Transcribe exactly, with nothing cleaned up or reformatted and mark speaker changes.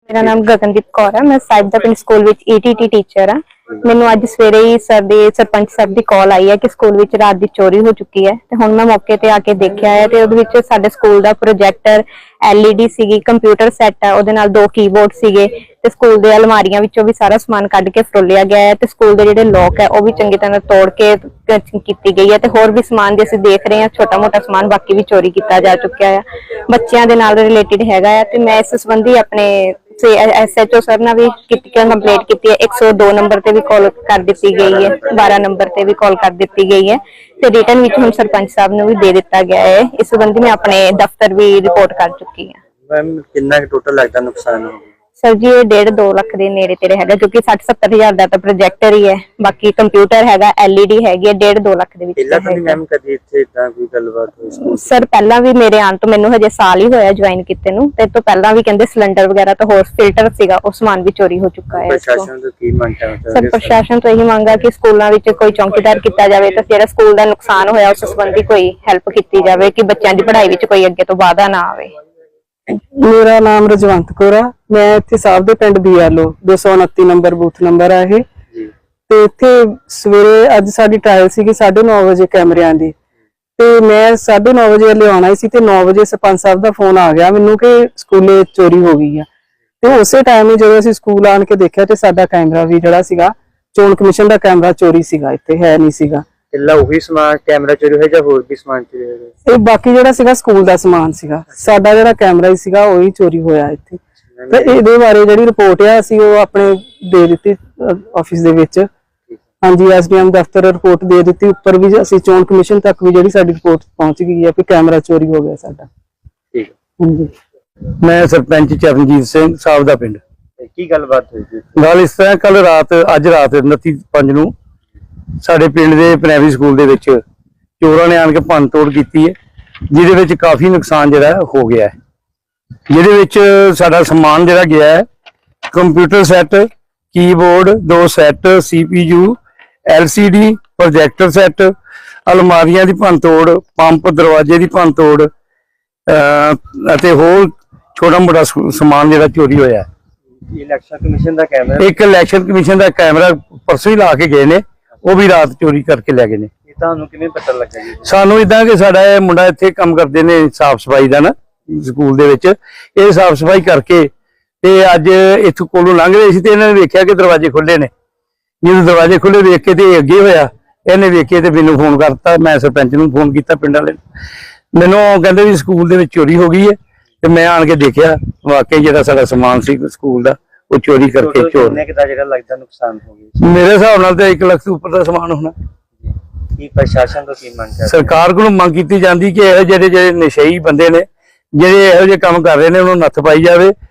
Speaker 1: मेरा नाम गगनदीप कौर है। मैं साहिब दा पिंड स्कूल विच ईटीटी टीचर हाँ। मैनू अज सवेरे ही सर दी सरपंच साहब की कॉल आई है कि स्कूल विच रात दी चोरी हो चुकी है। ते हुण मैं मौके ते आके देखिया है ते उहदे विच साडे स्कूल दा प्रोजैक्टर एलईडी सीगी, कंप्यूटर सैट है, उहदे नाल दो कीबोर्ड सीगे ते स्कूल दे अलमारियां विचों भी सारा समान कढ के फरोलिया गया है ते स्कूल दे जिहड़े लॉक है वह भी चंगी तरह तोड़ के कीती गई है ते होर भी समान जे असीं देख रहे हैं छोटा मोटा समान बाकी भी चोरी किया जा चुका है। बच्चों के नाल रिलेटेड हैगा है ते मैं इस संबंधी अपने एस एच ओ सर ने भी कंप्लेंट की है। एक सौ दो नंबर से भी कॉल कर दी गई है, बारह नंबर से भी कॉल कर दी गई है ते रिटर्न विच हम सरपंच साहब ने भी दे दिता गया है। इस संबंधी मैं अपने दफ्तर भी रिपोर्ट कर चुकी है।
Speaker 2: मैम कितना टोटल लगता नुकसान हो?
Speaker 1: सर जी ये डेढ़ दो लाख के नेड़े तेरे है, क्योंकि साठ सत्तर हजार का तो प्रोजेक्टर ही है, बाकी कंप्यूटर है, एलईडी हैगी, डेढ़ दो लाख सर। पहला भी मेरे आने तो मैनू हजे साल ही होया ज्वाइन किते नू, ते तो पहला भी कहंदे सिलेंडर वगैरह तो होर फिल्टर सीगा वो समान भी चोरी हो चुका है। सर प्रशासन तो यही मांगा कि स्कूलों में कोई चौकीदार किया जाए तो जिहड़ा स्कूल का नुकसान होया उस संबंधी कोई हैल्प की जाए कि बच्चों की पढ़ाई में कोई अगे तो बाधा ना आवे।
Speaker 3: मेरा नाम रजवंत कौर है। मैं इत्थे साहब दे पिंड बीएलओ दो सौ उनती नंबर बूथ नंबर है ये ते इत्थे सवेरे अज साडी ट्रायल सी साढ़े नौ बजे कैमरियां दी ते मैं साढ़े नौ बजे ले आना सी ते नौ बजे सरपंच साहब दा फोन आ गया मैनू कि स्कूले चोरी हो गई है ते उसे टाइम ही जो असीं स्कूल आन के देखिया ते साडा कैमरा भी जिहड़ा सीगा चोण कमीशन दा कैमरा चोरी सीगा, इत्थे है नहीं सीगा।
Speaker 2: ਉਹੀ ਸਮਾਨ कैमरा चोरी ਹੋਇਆ ਜਾਂ ਹੋਰ ਵੀ ਸਮਾਨ ਚੋਰੀ ਹੋਇਆ?
Speaker 3: ਇਹ ਬਾਕੀ ਜਿਹੜਾ ਸੀਗਾ ਸਕੂਲ ਦਾ ਸਮਾਨ ਸੀਗਾ, ਸਾਡਾ ਜਿਹੜਾ ਕੈਮਰਾ ਹੀ ਸੀਗਾ ਉਹੀ ਚੋਰੀ ਹੋਇਆ ਇੱਥੇ। ਤੇ ਇਹਦੇ ਬਾਰੇ ਜਿਹੜੀ ਰਿਪੋਰਟ ਆ ਅਸੀਂ ਉਹ ਆਪਣੇ ਦੇ ਦਿੱਤੀ ਆਫਿਸ ਦੇ ਵਿੱਚ। ਹਾਂਜੀ ਐਸਡੀਐਮ ਦਫ਼ਤਰ ਰਿਪੋਰਟ ਦੇ ਦਿੱਤੀ, ਉੱਪਰ ਵੀ ਅਸੀਂ ਚੋਣ ਕਮਿਸ਼ਨ ਤੱਕ ਵੀ ਜਿਹੜੀ ਸਾਡੀ ਰਿਪੋਰਟ ਪਹੁੰਚ ਗਈ ਹੈ ਕਿ ਕੈਮਰਾ ਚੋਰੀ ਹੋ ਗਿਆ ਸਾਡਾ।
Speaker 2: ਠੀਕ
Speaker 3: ਹਾਂਜੀ
Speaker 4: मैं सरपंच चरणजीत सिंह साहब दा पिंड।
Speaker 2: की गलबात हुई थी?
Speaker 4: गल इस तरह कल रात अज रात उनती पंज नूं साडे पिंड दे प्राइमरी स्कूल दे विच चोरां ने आण के भंन तोड़ कीती है, जिहदे विच काफी नुकसान जिहड़ा हो गया है। जिहदे विच साडा समान जिहड़ा गया है कंप्यूटर सैट, कीबोर्ड, दो set, CPU, LCD, projector set, अलमारियां दी भंन तोड़, पंप दरवाजे दी भंन तोड़ अते होर छोटा मोटा समान जिहड़ा चोरी होया है।
Speaker 2: इलेक्शन कमीशन दा कैमरा
Speaker 4: एक इलेक्शन कमीशन दा कैमरा परसों ही ला के गए ने, वो भी रात चोरी करके ले गए ने।
Speaker 2: ਤੁਹਾਨੂੰ ਕਿਵੇਂ ਪਤਾ ਲੱਗਾ ਜੀ?
Speaker 4: ਸਾਨੂੰ ਇਦਾਂ ਕਿ ਸਾਡਾ ਇਹ ਮੁੰਡਾ ਇੱਥੇ ਕੰਮ ਕਰਦੇ ਨੇ ਸਾਫ ਸਫਾਈ ਦਾ ਨਾ ਸਕੂਲ ਦੇ ਵਿੱਚ, ਇਹ ਸਾਫ ਸਫਾਈ ਕਰਕੇ ਤੇ ਅੱਜ ਇੱਥੋਂ ਕੋਲੋਂ ਲੰਘ ਰਹੇ ਸੀ ਤੇ ਇਹਨਾਂ ਨੇ ਵੇਖਿਆ ਕਿ ਦਰਵਾਜ਼ੇ ਖੁੱਲੇ ਨੇ। ਜਦੋਂ ਦਰਵਾਜ਼ੇ ਖੁੱਲੇ ਵੇਖ ਕੇ ਤੇ ਅੱਗੇ ਹੋਇਆ, ਇਹਨੇ ਵੇਖੇ ਤੇ ਮੈਨੂੰ ਫੋਨ ਕਰਤਾ। ਮੈਂ ਸਰਪੰਚ ਨੂੰ ਫੋਨ ਕੀਤਾ ਪਿੰਡ ਵਾਲੇ ਨੂੰ, ਮੈਨੂੰ ਕਹਿੰਦੇ ਵੀ ਸਕੂਲ ਦੇ ਵਿੱਚ ਚੋਰੀ ਹੋ ਗਈ ਹੈ ਤੇ ਮੈਂ ਆਣ ਕੇ ਦੇਖਿਆ ਵਾਕਈ ਜਿਹੜਾ ਸਾਡਾ ਸਮਾਨ ਸੀ ਸਕੂਲ ਦਾ ਉਹ ਚੋਰੀ ਕਰਕੇ ਚੋਰ
Speaker 2: ਨੇ ਕਿਦਾ ਜਿਹੜਾ ਲੱਗਦਾ ਨੁਕਸਾਨ ਹੋ ਗਿਆ?
Speaker 4: ਮੇਰੇ ਹਿਸਾਬ ਨਾਲ ਤੇ ਇੱਕ ਲੱਖ ਤੋਂ ਉੱਪਰ ਦਾ ਸਮਾਨ ਹੋਣਾ।
Speaker 2: ਕੀ ਪ੍ਰਸ਼ਾਸਨ ਤੋਂ ਕੀ ਮੰਗ ਕਰਦੇ?
Speaker 4: ਸਰਕਾਰ ਕੋਲੋਂ ਮੰਗ ਕੀਤੀ ਜਾਂਦੀ ਕਿ ਇਹੋ ਜਿਹੇ ਜਿਹੜੇ ਨਸ਼ਈ ਬੰਦੇ ਨੇ ਜਿਹੜੇ ਇਹੋ ਜਿਹੇ ਕੰਮ ਕਰ ਰਹੇ ਨੇ ਉਹਨਾਂ ਨੂੰ ਨੱਥ ਪਾਈ ਜਾਵੇ।